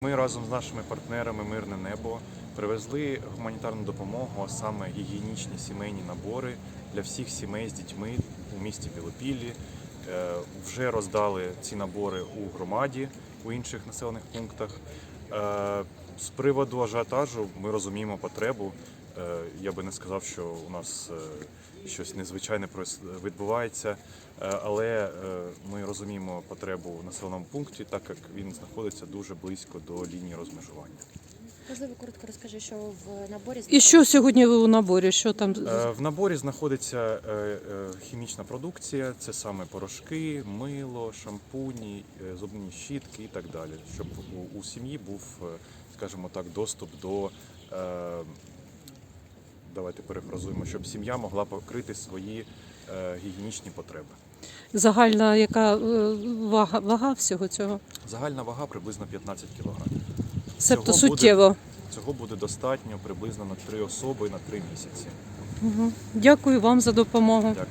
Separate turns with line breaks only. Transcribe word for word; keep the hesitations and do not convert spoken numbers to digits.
Ми разом з нашими партнерами «Мирне небо» привезли гуманітарну допомогу, а саме гігієнічні сімейні набори для всіх сімей з дітьми у місті Білопіллі. Е, Вже роздали ці набори у громаді, у інших населених пунктах. Е, З приводу ажіотажу ми розуміємо потребу. Е, Я би не сказав, що у нас е, щось незвичайне відбувається, е, але е, ми розуміємо потребу в населеному пункті, так як він знаходиться дуже близько до лінії розмежування.
Можливо, коротко розкажи, що в наборі
І що сьогодні у наборі? Що там?
Е, В наборі знаходиться е, е, хімічна продукція, це саме порошки, мило, шампуні, е, зубні щітки і так далі, щоб у, у сім'ї був, е, скажімо так, доступ до, е, давайте перефразуємо, щоб сім'я могла покрити свої е, гігієнічні потреби.
Загальна яка е, вага, вага всього цього?
Загальна вага приблизно п'ятнадцять кілограмів.
Себто
Цього буде-
суттєво.
Цього буде достатньо приблизно на три особи на три місяці.
Угу. Дякую вам за допомогу.
Дякую.